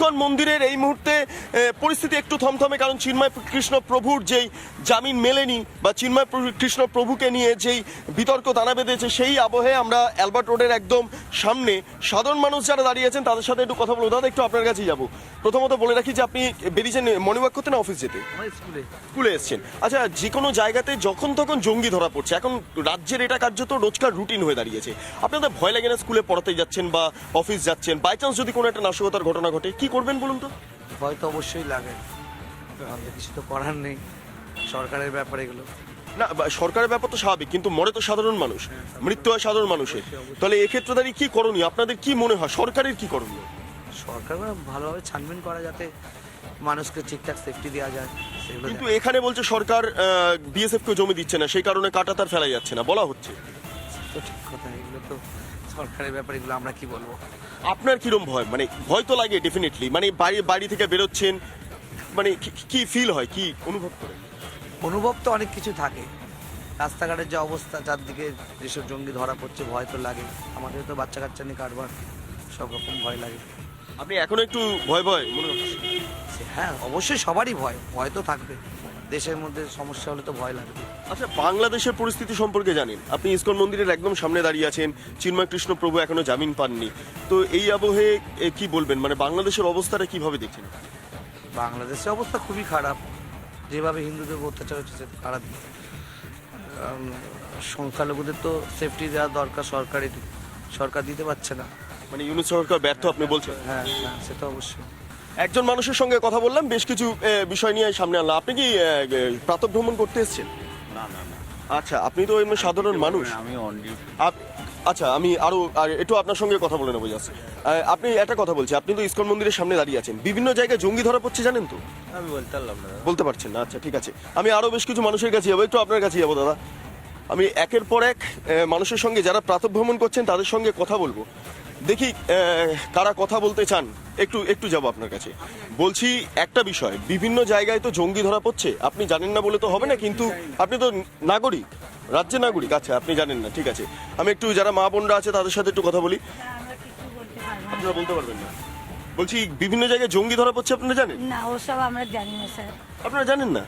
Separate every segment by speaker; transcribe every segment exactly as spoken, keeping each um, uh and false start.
Speaker 1: ISKCON মন্দিরের এই মুহূর্তে পরিস্থিতি একটু থমথমে, কারণ চিন্ময় কৃষ্ণ প্রভুর যেই জামিন মেলেনি বা চিন্ময় কৃষ্ণ প্রভুকে নিয়ে যেই বিতর্ক দানা বেঁধেছে, সেই আবহে আমরা অ্যালবার্ট রোডের একদম সামনে সাধারণ মানুষ যারা দাঁড়িয়েছেন তাদের সাথে একটু কথা বলবো। দাদা, একটু আপনার কাছেই যাবো। প্রথমত বলে রাখি যে আপনি বেরিয়েছেন মর্নিং ওয়াক করতে না অফিস যেতে?
Speaker 2: স্কুলে
Speaker 1: স্কুলে এসছেন। আচ্ছা, যে কোনো জায়গাতে যখন তখন জঙ্গি ধরা পড়ছে, এখন রাজ্যের এটা কার্যত রোজকার রুটিন হয়ে দাঁড়িয়েছে। আপনাদের ভয় লাগে না স্কুলে পড়াতে যাচ্ছেন বা অফিস যাচ্ছেন, বাই চান্স যদি কোনো একটা নাশকতার ঘটনা ঘটে, কি করবেন বলুন তো?
Speaker 2: ভয় তো অবশ্যই লাগে, আমাদের কিছু তো করার নেই, সরকারের ব্যাপার এগুলো।
Speaker 1: না, বা- সরকারের ব্যাপার তো স্বাভাবিক, কিন্তু মরে তো সাধারণ মানুষ, মৃত্যু হয় সাধারণ মানুষের। তাহলে এক্ষেত্রে দাঁড়িয়ে কি করণীয়, আপনাদের কি মনে হয় সরকারের কি করণীয়?
Speaker 2: সরকার ভালোভাবে ছানবিন করা, যাতে মানুষকে ঠিকঠাক সেফটি দেওয়া যায় সেগুলো।
Speaker 1: কিন্তু এখানে বলছে সরকার বিএসএফ কে জমি দিচ্ছে না, সেই কারণে কাটা তার ফেলা যাচ্ছে না বলা হচ্ছে।
Speaker 2: তো ঠিক কথা, এগুলো তো সরকারের ব্যাপার, এগুলো আমরা কি বলবো।
Speaker 1: আপনার কিরম ভয়, মানে ভয় তো লাগে ডেফিনেটলি, মানে বাড়ি বাড়ি থেকে বেরোচ্ছেন, মানে কি- কি ফিল হয়, কি অনুভব করেন?
Speaker 2: অনুভব তো অনেক কিছু থাকে, রাস্তাঘাটের যে অবস্থা, চারদিকে যেসব জঙ্গি ধরা পড়ছে, ভয় তো লাগে। আমাদের তো বাচ্চা কাচ্চা নিয়ে কারবার, সব রকম ভয় লাগে।
Speaker 1: আপনি এখনো একটু ভয় ভয় মনে হচ্ছে?
Speaker 2: সে- হ্যাঁ, অবশ্যই সবারই ভয়, ভয় তো থাকবে, দেশের মধ্যে সমস্যা হলে তো ভয় লাগবে।
Speaker 1: আচ্ছা, বাংলাদেশের পরিস্থিতি সম্পর্কে জানেন? আপনি ইসকন মন্দিরের একদম সামনে দাঁড়িয়ে আছেন, চিন্ময় কৃষ্ণ প্রভু এখনো জামিন পাননি, তো এই আবহে এ, কি বলবেন, মানে বাংলাদেশের অবস্থাটা কিভাবে দেখছেন?
Speaker 2: বাংলাদেশের অবস্থা খুবই খারাপ, যেভাবে হিন্দুদের উপর অত্যাচার হচ্ছে সেটা খারাপ। কারণ সংখ্যালঘুদের তো সেফটি দেওয়া দরকার, সরকারের সরকার দিতে পারছে না।
Speaker 1: মানে ইউনুস সরকার ব্যর্থ আপনি বলছেন?
Speaker 2: হ্যাঁ হ্যাঁ, সেটা অবশ্যই।
Speaker 1: একজন মানুষের সঙ্গে কথা বললাম, বেশ কিছু এ, বিষয় নিয়ে সামনে আনলাম। আপনি কি প্রাতঃ ভ্রমণ করতে এসেছেন?
Speaker 3: না না না,
Speaker 1: আচ্ছা, আপনি তো এমনি সাধারণ মানুষ।
Speaker 3: আমি অন ডিউটি।
Speaker 1: আপ- আচ্ছা, আমি আরো আর একটু আপনার সঙ্গে কথা বলে নেবো জাস্ট। আপনি একটা কথা বলছি, আপনি তো ইসকন মন্দিরের সামনে দাঁড়িয়ে আছেন, বিভিন্ন জায়গায় জঙ্গি ধরা পড়ছে জানেন তো?
Speaker 3: আমি বলতে পারলাম না।
Speaker 1: বলতে পারছেন না? আচ্ছা ঠিক আছে, আমি আরো বেশ কিছু মানুষের কাছে যাবো, একটু আপনার কাছে যাবো দাদা। আমি একের পর এক আহ, মানুষের সঙ্গে যারা প্রাতঃভ্রমণ করছেন তাদের সঙ্গে কথা বলবো, দেখি আহ, কারা কথা বলতে চান। একটু একটু যাবো আপনার কাছে। বলছি একটা বিষয়, বিভিন্ন জায়গায় তো জঙ্গি ধরা পড়ছে, আপনি জানেন না বলে তো হবে না, কিন্তু আপনি তো নাগরিক, রাজ্যের নাগরিক। আচ্ছা, আপনি জানেন না, ঠিক আছে। আমি একটু যারা মা বোনরা আছে তাদের সাথে একটু কথা বলি। আপনারা বলতে পারবেন না? বলছি বিভিন্ন জায়গায় জঙ্গি ধরা পড়ছে, আপনারা জানেন?
Speaker 4: না, ওসব আমরা জানি না স্যার,
Speaker 1: আপনারা জানেন না?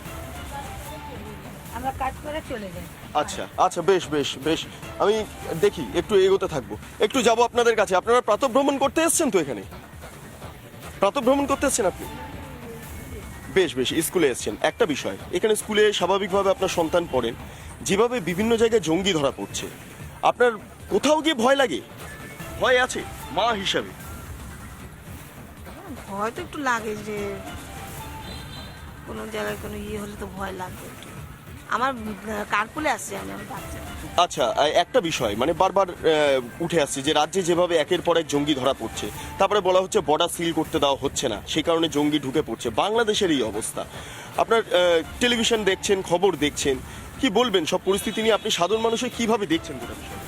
Speaker 4: আমরা কাজ করে চলে যাই।
Speaker 1: আচ্ছা আচ্ছা, বেশ বেশ বেশ, আমি দেখি একটু এগোতে থাকবো, একটু যাব আপনাদের কাছে। আপনারা প্রাতঃভ্রমণ করতে এসেছেন তো এখানে? প্রাতঃভ্রমণ করতে এসেছেন আপনি? বেশ বেশ, স্কুলে এসেছেন। একটা বিষয়, এখানে স্কুলে স্বাভাবিকভাবে আপনার সন্তান পড়েন, যেভাবে বিভিন্ন জায়গায় জঙ্গি ধরা পড়ছে, আপনার কোথাও গিয়ে ভয় লাগে? ভয় আছে মা হিসাবে?
Speaker 5: ভয় তো একটু লাগে, যে কোনো জায়গায় কোনো ইয়ে হলে তো ভয় লাগবে একটু। আমার কার্পুলে আসছে, আমি আমার বাচ্চা।
Speaker 1: আচ্ছা, আহ, একটা বিষয় মানে বারবার আহ, উঠে আসছে যে রাজ্যে যেভাবে একের পর এক জঙ্গি ধরা পড়ছে, তারপরে বলা হচ্ছে বর্ডার সিল করতে দেওয়া হচ্ছে না, সেই কারণে জঙ্গি ঢুকে পড়ছে। বাংলাদেশের এই অবস্থা, আপনার আহ, টেলিভিশন দেখছেন, খবর দেখছেন, কি বলবেন সব পরিস্থিতি নিয়ে? আপনি সাধারণ মানুষে কিভাবে দেখছেন গোটা বিষয়?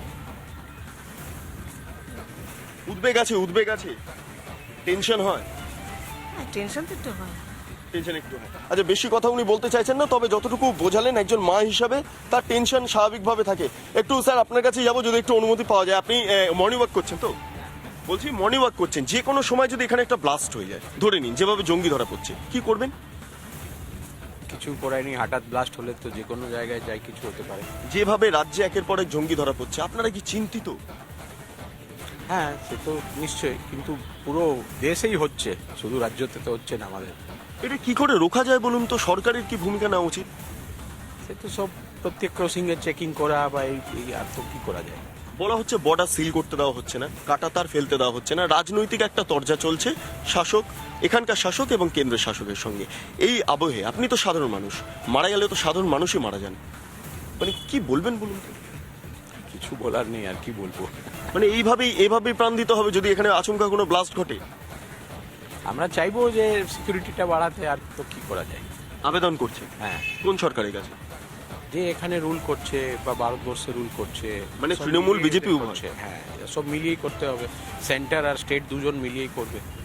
Speaker 1: উদ্বেগ আছে, উদ্বেগ আছে, টেনশন হয়?
Speaker 5: টেনশন তো একটু হয়।
Speaker 1: টেনশন একটু হয়। আচ্ছা, বেশি কথা উনি বলতে চাইছেন না, তবে যতটুকু বোঝালেন একজন মা হিসাবে তার টেনশন স্বাভাবিকভাবে থাকে। একটু স্যার আপনার কাছে যাবো, যদি একটু অনুমতি পাওয়া যায়। আপনি মর্নিং ওয়াক করছেন তো? বলছি মর্নিং ওয়াক করছেন, যে কোনো সময় যদি এখানে একটা ব্লাস্ট হয়ে যায়, ধরে নিন যেভাবে জঙ্গি ধরা পড়ছে, কি করবেন?
Speaker 3: কিছু করায়নি, হঠাৎ ব্লাস্ট হলে তো যে কোনো জায়গায় যাই কিছু হতে পারে।
Speaker 1: যেভাবে রাজ্যে একের পর এক জঙ্গি ধরা পড়ছে, আপনারা কি চিন্তিত?
Speaker 3: হ্যাঁ, সে তো নিশ্চয়ই, কিন্তু পুরো দেশেই হচ্ছে, শুধু রাজ্যতে তো হচ্ছে না আমাদের।
Speaker 1: এটা কি করে রোখা যায় বলুন তো? সরকারের কি ভূমিকা নেওয়া উচিত?
Speaker 3: সে তো সব প্রত্যেক ক্রসিং এ চেকিং করা, বা এই এই আর তো কি করা যায়।
Speaker 1: বলা হচ্ছে বর্ডার সিল করতে দেওয়া হচ্ছে না, কাটা তার ফেলতে দেওয়া হচ্ছে না, রাজনৈতিক একটা তরজা চলছে শাসক, এখানকার শাসক এবং কেন্দ্রের শাসকের সঙ্গে। এই আবহে আপনি তো সাধারণ মানুষ, মারা গেলে তো সাধারণ মানুষই মারা যান, মানে কি বলবেন বলুন তো?
Speaker 3: কিছু বলার নেই, আর কি বলবো।
Speaker 1: মানে এইভাবেই এভাবেই প্রাণ দিতে হবে যদি এখানে আচমকা কোনো ব্লাস্ট ঘটে?
Speaker 3: আমরা চাইবো যে সিকিউরিটিটা বাড়াতে, আর তো কি করা যায়।
Speaker 1: আবেদন করছে
Speaker 3: হ্যাঁ,
Speaker 1: কোন সরকারের কাছে?
Speaker 3: যে এখানে রুল করছে বা ভারতবর্ষে রুল করছে,
Speaker 1: মানে
Speaker 3: সব
Speaker 1: তৃণমূল,
Speaker 3: মিলিয়ে
Speaker 1: বিজেপি উভয়?
Speaker 3: করছে। হ্যাঁ, সব মিলিয়েই করতে হবে, সেন্টার আর স্টেট দুজন মিলিয়েই করবে।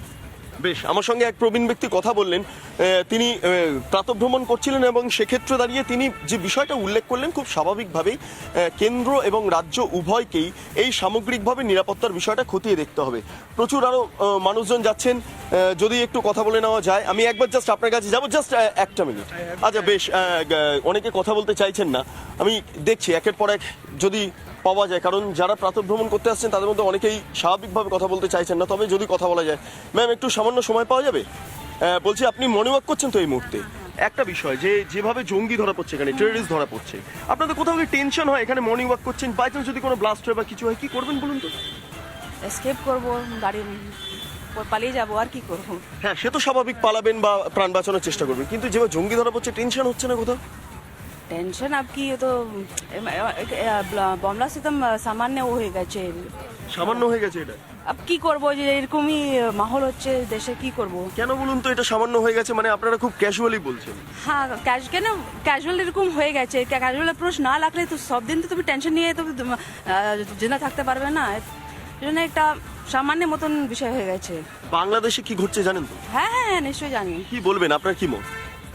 Speaker 1: বেশ, আমার সঙ্গে এক প্রবীণ ব্যক্তি কথা বললেন। আহ, তিনি আহ, প্রাতঃভ্রমণ করছিলেন এবং সেক্ষেত্রে দাঁড়িয়ে তিনি যে বিষয়টা উল্লেখ করলেন খুব স্বাভাবিকভাবেই আহ, কেন্দ্র এবং রাজ্য উভয়কেই এই সামগ্রিকভাবে নিরাপত্তার বিষয়টা খতিয়ে দেখতে হবে। প্রচুর আরো আহ, মানুষজন যাচ্ছেন, আহ, যদি একটু কথা বলে নেওয়া যায়। আমি একবার জাস্ট আপনার কাছে যাবো, জাস্ট একটা মিনিট। আচ্ছা বেশ, আহ, আহ, অনেকে কথা বলতে চাইছেন না, আমি দেখছি একের পর এক যদি পাওয়া যায়, কারণ যারা প্রাতঃভ্রমণ করতে আসছেন তাদের মধ্যে অনেকেই স্বাভাবিকভাবে কথা বলতে চাইছেন না, তবে যদি কথা বলা যায়। ম্যাম, একটু সামান্য সময় পাওয়া যাবে? আহ, বলছি, আপনি মর্নিং ওয়াক করছেন তো এই মুহূর্তে? একটা বিষয়, যে যেভাবে জঙ্গি ধরা পড়ছে, এখানে টেররিস্ট ধরা পড়ছে, আপনাদের কোথাও কি টেনশন হয়? এখানে মর্নিং ওয়াক করছেন, বাই চান্স যদি কোনো ব্লাস্ট হয় বা কিছু হয়, কি করবেন বলুন তো?
Speaker 6: এসকেপ করব, গাড়ি পালিয়ে যাবো, আর কি করবো।
Speaker 1: হ্যাঁ, সে তো স্বাভাবিক, পালাবেন বা প্রাণ বাঁচানোর চেষ্টা করবেন, কিন্তু যেভাবে জঙ্গি ধরা পড়ছে টেনশন হচ্ছে না কোথাও?
Speaker 6: টেনশন আপ কি, তো বমলা সিস্টেম সামান্য ও হয়ে গেছে।
Speaker 1: সামান্য হয়ে গেছে এটা?
Speaker 6: আপ কি করবো, যে এরকমই মাহল হচ্ছে দেশে, কি করব।
Speaker 1: কেন বলুন তো এটা সামান্য হয়ে গেছে? মানে আপনারা খুব ক্যাজুয়ালি বলছেন।
Speaker 6: হ্যাঁ, ক্যাশ কেন ক্যাজুয়াল এরকম হয়ে গেছে। ক্যাজুয়াল অ্যাপ্রোচ না লাগলে তো সব দিন তো তুমি টেনশন নিয়ে তো জিন্দা থাকতে পারবে না। এই জন্য একটা সামান্য মতন বিষয় হয়ে গেছে।
Speaker 1: বাংলাদেশে কি ঘটছে জানেন তো?
Speaker 6: হ্যাঁ হ্যাঁ হ্যাঁ, নিশ্চয়ই জানি।
Speaker 1: কি বলবেন, আপনার কি মত?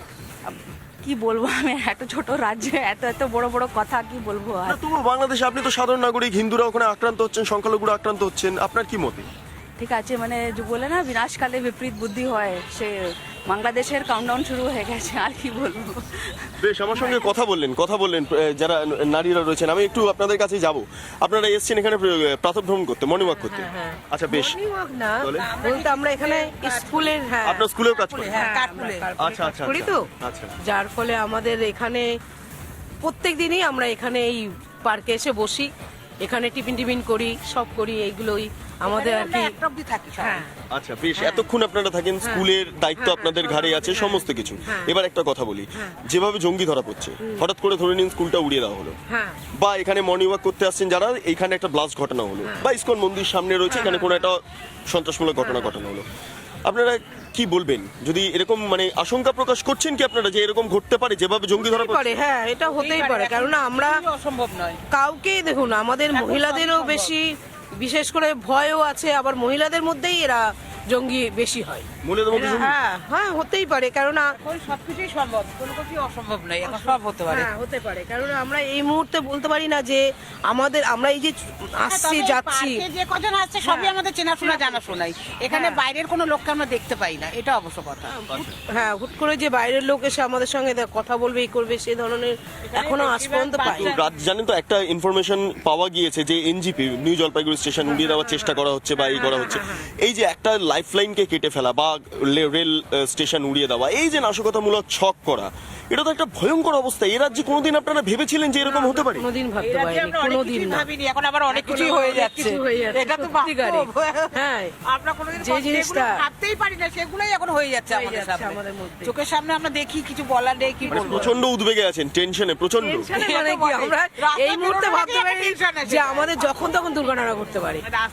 Speaker 6: কি বলবো, আমি এত ছোট রাজ্যে এত এত বড় বড় কথা কি বলবো আর।
Speaker 1: না, তবু বাংলাদেশে আপনি তো সাধারণ নাগরিক, হিন্দুরা ওখানে আক্রান্ত হচ্ছেন, সংখ্যালঘুরা আক্রান্ত হচ্ছেন, আপনার কি মতে?
Speaker 6: ঠিক আছে, মানে যে বলে না বিনাশকালে বিপরীত বুদ্ধি হয়, সে বাংলাদেশের কাউন্টডাউন শুরু হয়ে গেছে, আর কি বলবো।
Speaker 1: বেশ, আমার সঙ্গে কথা বললেন কথা বললেন আহ, যারা নারীরা রয়েছেন, আমি একটু আপনাদের কাছে যাব। আপনারা এসেছেন এখানে প্রাতঃভ্রমণ করতে, মর্নিং ওয়াক করতে? আচ্ছা বেশ,
Speaker 7: মর্নিং ওয়াক না
Speaker 1: তাহলে?
Speaker 7: বলতে আমরা এখানে স্কুলের, হ্যাঁ
Speaker 1: আপনার স্কুলেও কাজ করেন?
Speaker 7: হ্যাঁ কাঠপুলে
Speaker 1: আচ্ছা আচ্ছা
Speaker 7: করি তো,
Speaker 1: আচ্ছা।
Speaker 7: যার ফলে আমাদের এখানে প্রত্যেক দিনই আমরা এখানে এই পার্কে এসে বসি, এখানে টিফিন টিফিন করি, সব করি, এইগুলোই আমাদের আর কি। হ্যাঁ
Speaker 1: আচ্ছা বেশ, এতক্ষণ আপনারা থাকেন, স্কুলের দায়িত্ব আপনাদের ঘাড়ে আছে, সমস্ত কিছু। এবার একটা কথা বলি, যেভাবে জঙ্গি ধরা পড়ছে, হঠাৎ করে ধরে নিন স্কুলটা উড়িয়ে দেওয়া হলো,
Speaker 7: হ্যাঁ
Speaker 1: বা এখানে মর্নিং ওয়াক করতে আসছেন যারা, এইখানে একটা ব্লাস্ট ঘটনা হলো, বা ইসকন মন্দির সামনে রয়েছে, এখানে কোনো একটা সন্ত্রাসমূলক ঘটনা ঘটানো হলো, আপনারা কি বলবেন? যদি এরকম মানে আশঙ্কা প্রকাশ করছেন কি আপনারা যে এরকম ঘটতে পারে, যেভাবে জঙ্গি ধরা
Speaker 7: হতেই
Speaker 1: পড়ছে?
Speaker 7: পারে, হ্যাঁ এটা হতেই পারে, কারণ আমরা
Speaker 8: অসম্ভব নয়।
Speaker 7: কাউকে দেখুন, আমাদের মহিলাদেরও বেশি বিশেষ করে ভয়ও আছে, আবার মহিলাদের মধ্যেই এরা জঙ্গি বেশি হয়।
Speaker 1: মহিলাদের মধ্যে জঙ্গি?
Speaker 7: হ্যাঁ হ্যাঁ হতেই পারে, কেননা
Speaker 8: এখন সবকিছুই সম্ভব, কোনো কিছুই অসম্ভব নয়, এখন সব হতে পারে।
Speaker 7: হ্যাঁ হতে পারে, কারণ আমরা এই মুহূর্তে বলতে পারি না যে আমাদের, আমরা এই যে আসছি
Speaker 8: তবে
Speaker 7: যাচ্ছি,
Speaker 8: পার্কে যে কজন আসছে সবই আমাদের চেনাশোনা জানাশোনাই, এখানে বাইরের কোনো লোককে আমরা দেখতে পাই না, এটা অবশ্য কথা।
Speaker 7: হ্যাঁ হুট করে যে বাইরের লোক এসে আমাদের সঙ্গে দেখ- কথা বলবে, এই করবে, সেই ধরনের এখনো আজ পর্যন্ত পাই
Speaker 1: তো রাত জানেন তো, একটা ইনফরমেশন পাওয়া গিয়েছে যে এনজিপি নিউ জলপাইগুড়ি স্টেশন উড়িয়ে দেওয়ার চেষ্টা করা হচ্ছে বা এই করা হচ্ছে। এই যে একটা লাইফ লাইনকে কেটে ফেলা বা লে- রেল স্টেশন উড়িয়ে দেওয়া, এই যে নাশকতামূলক ছক করা, এটা তো একটা ভয়ঙ্কর অবস্থা। এ রাজ্যে কোনোদিন আপনারা ভেবেছিলেন যে এরকম হতে পারে?
Speaker 7: কোনোদিন ভাবতে
Speaker 8: এর আগে
Speaker 7: পারিনি,
Speaker 8: আমরা অনেক
Speaker 7: কোনোদিন
Speaker 8: কিছুই
Speaker 7: না।
Speaker 8: ভাবিনি, এখন আবার অনেক কিছুই
Speaker 7: এখন
Speaker 8: হয়ে
Speaker 7: অনেক
Speaker 8: যাচ্ছে,
Speaker 7: কিছু হয়ে যাচ্ছে,
Speaker 8: এটা তো
Speaker 7: সত্যিকারে।
Speaker 8: বাস্তব।
Speaker 7: হ্যাঁ
Speaker 8: আমরা কোনোদিন
Speaker 7: যে
Speaker 8: কখনো
Speaker 7: জিনিসটা-
Speaker 8: যেগুলো ভাবতেই পারি না সেগুলোই এখন হয়ে যাচ্ছে
Speaker 7: হয়ে
Speaker 8: আমাদের
Speaker 7: যাচ্ছে
Speaker 8: সামনে,
Speaker 7: আমাদের মধ্যে।
Speaker 8: চোখের সামনে আমরা দেখি, কিছু বলার নেই, কি
Speaker 1: মানে
Speaker 8: বলবো।
Speaker 1: প্রচন্ড উদ্বেগে আছেন, টেনশনে প্রচন্ড।
Speaker 7: টেনশনে মানে কি,
Speaker 8: বটে।
Speaker 7: আমরা
Speaker 8: রাস্তা
Speaker 7: এই মুহূর্তে
Speaker 8: বেরোনোর
Speaker 7: ভাবতে
Speaker 8: আগেই
Speaker 7: পারি
Speaker 8: একটা টেনশন আছে।
Speaker 7: যে আমাদের যখন তখন দুর্ঘটনা ঘটতে পারে।